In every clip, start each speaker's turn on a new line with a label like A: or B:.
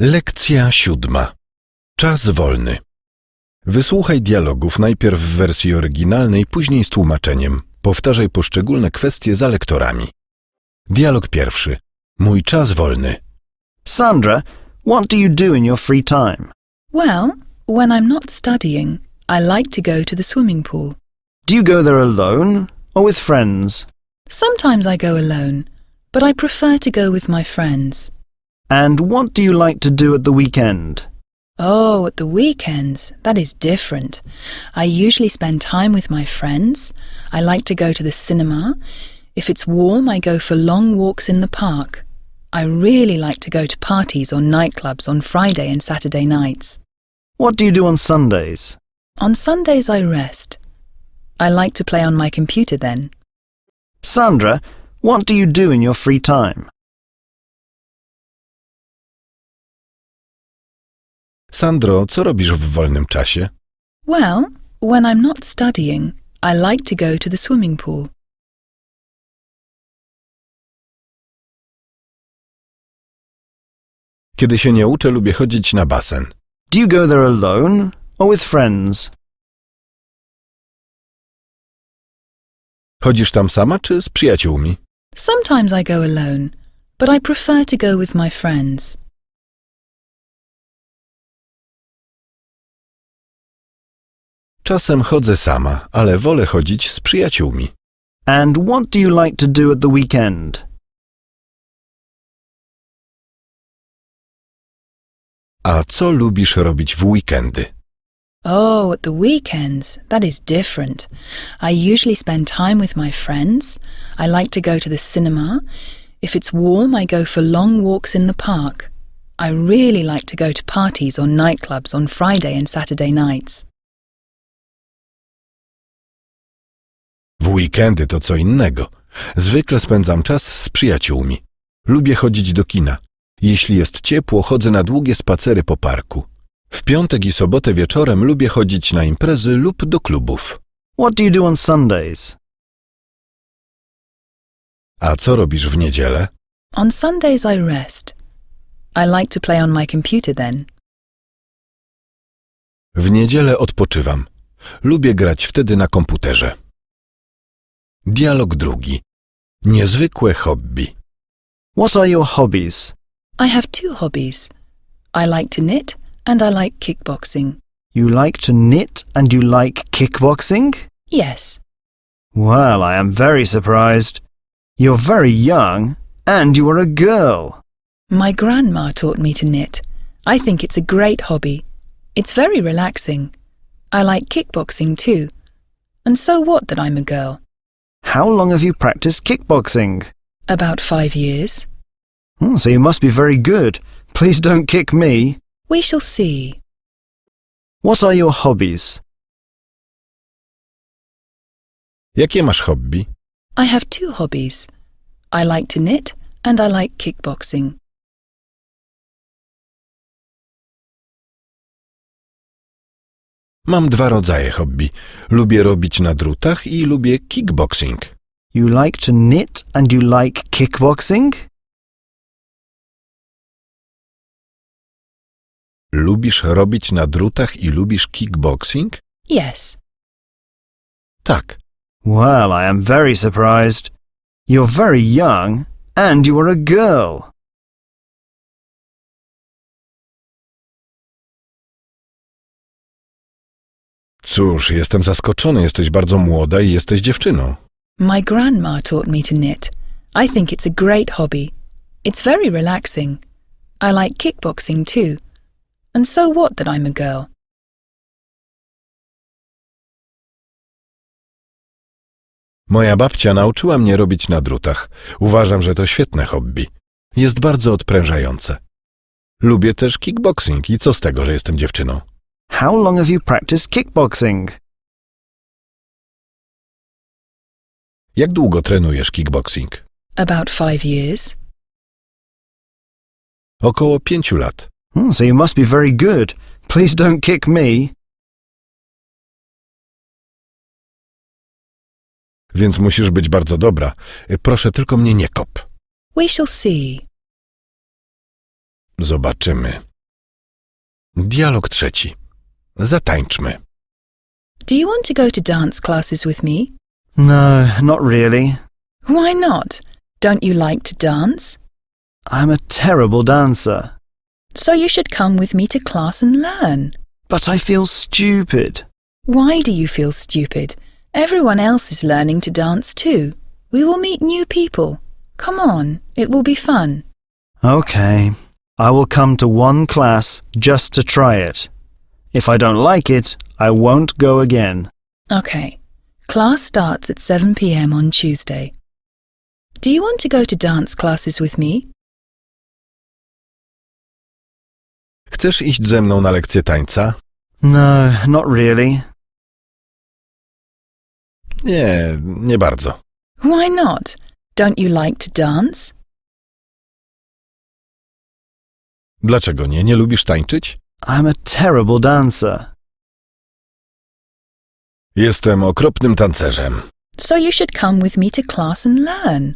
A: Lekcja 7. Czas wolny. Wysłuchaj dialogów najpierw w wersji oryginalnej, później z tłumaczeniem. Powtarzaj poszczególne kwestie za lektorami. Dialog pierwszy. Mój czas wolny.
B: Sandra, what do you do in your free time?
C: Well, when I'm not studying, I like to go to the swimming pool.
B: Do you go there alone or with friends?
C: Sometimes I go alone, but I prefer to go with my friends.
B: And what do you like to do at the weekend?
C: Oh, at the weekends, that is different. I usually spend time with my friends. I like to go to the cinema. If it's warm, I go for long walks in the park. I really like to go to parties or nightclubs on Friday and Saturday nights.
B: What do you do on Sundays?
C: On Sundays, I rest. I like to play on my computer then.
B: Sandra, what do you do in your free time?
A: Sandro, co robisz w wolnym czasie?
C: Well, when I'm not studying, I like to go to the swimming pool.
A: Kiedy się nie uczę, lubię chodzić na basen.
B: Do you go there alone or with friends?
A: Chodzisz tam sama czy z przyjaciółmi?
C: Sometimes I go alone, but I prefer to go with my friends.
A: Czasem chodzę sama, ale wolę chodzić z przyjaciółmi.
B: And what do you like to do at the weekend?
A: A co lubisz robić w weekendy?
C: Oh, at the weekends, that is different. I usually spend time with my friends. I like to go to the cinema. If it's warm, I go for long walks in the park. I really like to go to parties or nightclubs on Friday and Saturday nights.
A: W weekendy to co innego. Zwykle spędzam czas z przyjaciółmi. Lubię chodzić do kina. Jeśli jest ciepło, chodzę na długie spacery po parku. W piątek i sobotę wieczorem lubię chodzić na imprezy lub do klubów.
B: What do you do on Sundays?
A: A co robisz w niedzielę?
C: On Sundays, I rest. I like to play on my computer then.
A: W niedzielę odpoczywam. Lubię grać wtedy na komputerze. Dialog drugi. Niezwykłe hobby.
B: What are your hobbies?
C: I have two hobbies. I like to knit and I like kickboxing.
B: You like to knit and you like kickboxing?
C: Yes.
B: Well, I am very surprised. You're very young and you are a girl.
C: My grandma taught me to knit. I think it's a great hobby. It's very relaxing. I like kickboxing too. And so what that I'm a girl?
B: How long have you practiced kickboxing?
C: About 5 years.
B: So you must be very good. Please don't kick me.
C: We shall see.
B: What are your hobbies?
A: Jakie masz hobby?
C: I have two hobbies. I like to knit and I like kickboxing.
A: Mam dwa rodzaje hobby. Lubię robić na drutach i lubię kickboxing.
B: You like to knit and you like kickboxing?
A: Lubisz robić na drutach i lubisz kickboxing?
C: Yes.
A: Tak.
B: Well, I am very surprised. You're very young and you are a girl.
A: Cóż, jestem zaskoczony. Jesteś bardzo młoda i jesteś dziewczyną.
C: My grandma taught me to knit. I think it's a great hobby. It's very relaxing. I like kickboxing too. And so what that I'm a girl?
A: Moja babcia nauczyła mnie robić na drutach. Uważam, że to świetne hobby. Jest bardzo odprężające. Lubię też kickboxing i co z tego, że jestem dziewczyną?
B: How long have you practiced kickboxing?
A: Jak długo trenujesz kickboxing?
C: About 5 years.
A: Około 5 lat.
B: So you must be very good. Please don't kick me.
A: Więc musisz być bardzo dobra. Proszę, tylko mnie nie kop.
C: We shall see.
A: Zobaczymy. Dialog trzeci. Zatańczmy.
C: Do you want to go to dance classes with me?
B: No, not really.
C: Why not? Don't you like to dance?
B: I'm a terrible dancer.
C: So you should come with me to class and learn.
B: But I feel stupid.
C: Why do you feel stupid? Everyone else is learning to dance too. We will meet new people. Come on, it will be fun.
B: Okay, I will come to one class just to try it. If I don't like it, I won't go again.
C: Okay. Class starts at 7 p.m. on Tuesday. Do you want to go to dance classes with me?
A: Chcesz iść ze mną na lekcję tańca?
B: No, not really.
A: Nie, nie bardzo.
C: Why not? Don't you like to dance?
A: Dlaczego nie? Nie lubisz tańczyć?
B: I'm a terrible dancer.
A: Jestem okropnym tancerzem.
C: So you should come with me to class and learn.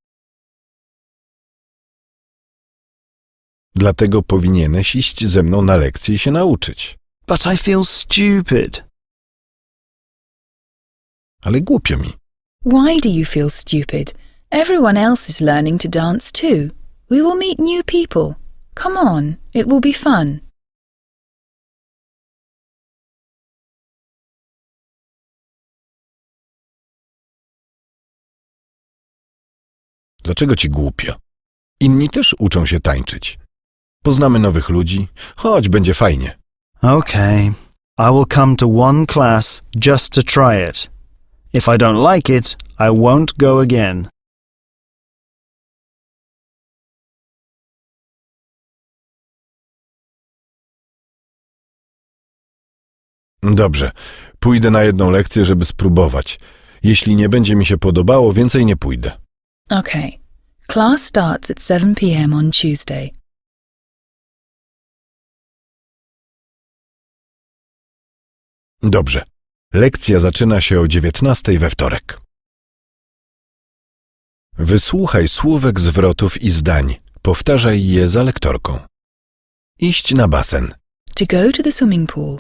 A: Dlatego powinieneś iść ze mną na lekcję i się nauczyć.
B: But I feel stupid.
A: Ale głupio mi.
C: Why do you feel stupid? Everyone else is learning to dance too. We will meet new people. Come on, it will be fun.
A: Dlaczego ci głupio? Inni też uczą się tańczyć. Poznamy nowych ludzi. Chodź, będzie fajnie.
B: Okay, I will come to one class just to try it. If I don't like it, I won't go again.
A: Dobrze, pójdę na jedną lekcję, żeby spróbować. Jeśli nie będzie mi się podobało, więcej nie pójdę.
C: Okay. Class starts at 7 p.m. on Tuesday.
A: Dobrze. Lekcja zaczyna się o 19:00 we wtorek. Wysłuchaj słówek, zwrotów i zdań. Powtarzaj je za lektorką. Iść na basen.
C: To go to the swimming pool.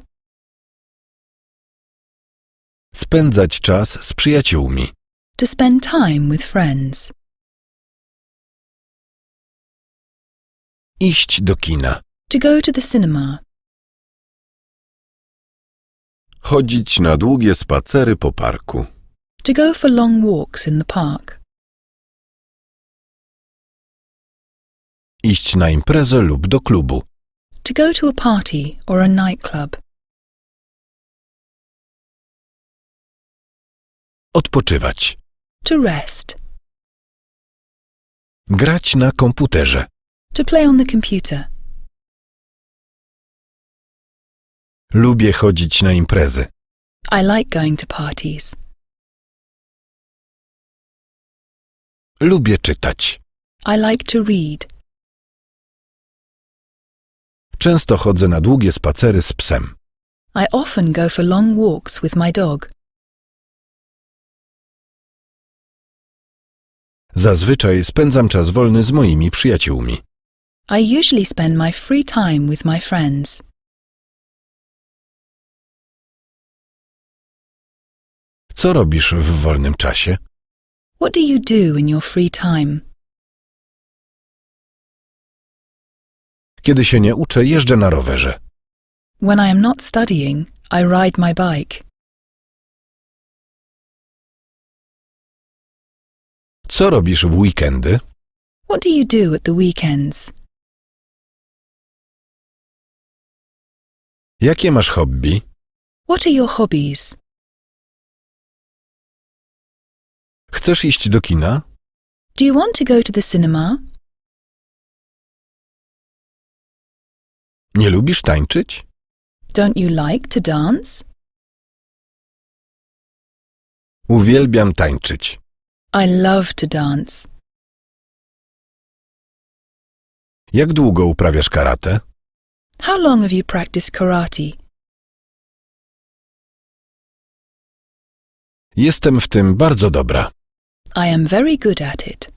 A: Spędzać czas z przyjaciółmi.
C: To spend time with friends.
A: Iść do kina.
C: To go to the cinema.
A: Chodzić na długie spacery po parku.
C: To go for long walks in the park.
A: Iść na imprezę lub do klubu.
C: To go to a party or a nightclub.
A: Odpoczywać.
C: To rest.
A: Grać na komputerze.
C: To play on the computer.
A: Lubię chodzić na imprezy.
C: I like going to parties.
A: Lubię czytać.
C: I like to read.
A: Często chodzę na długie spacery z psem.
C: I often go for long walks with my dog.
A: Zazwyczaj spędzam czas wolny z moimi przyjaciółmi.
C: I usually spend my free time with my friends.
A: Co robisz w wolnym czasie?
C: What do you do in your free time?
A: Kiedy się nie uczę, jeżdżę na rowerze.
C: When I am not studying, I ride my bike.
A: Co robisz w weekendy?
C: What do you do at the weekends?
A: Jakie masz hobby?
C: What are your hobbies?
A: Chcesz iść do kina?
C: Do you want to go to the cinema?
A: Nie lubisz tańczyć?
C: Don't you like to dance?
A: Uwielbiam tańczyć.
C: I love to dance.
A: Jak długo uprawiasz karate?
C: How long have you practiced karate?
A: Jestem w tym bardzo dobra.
C: I am very good at it.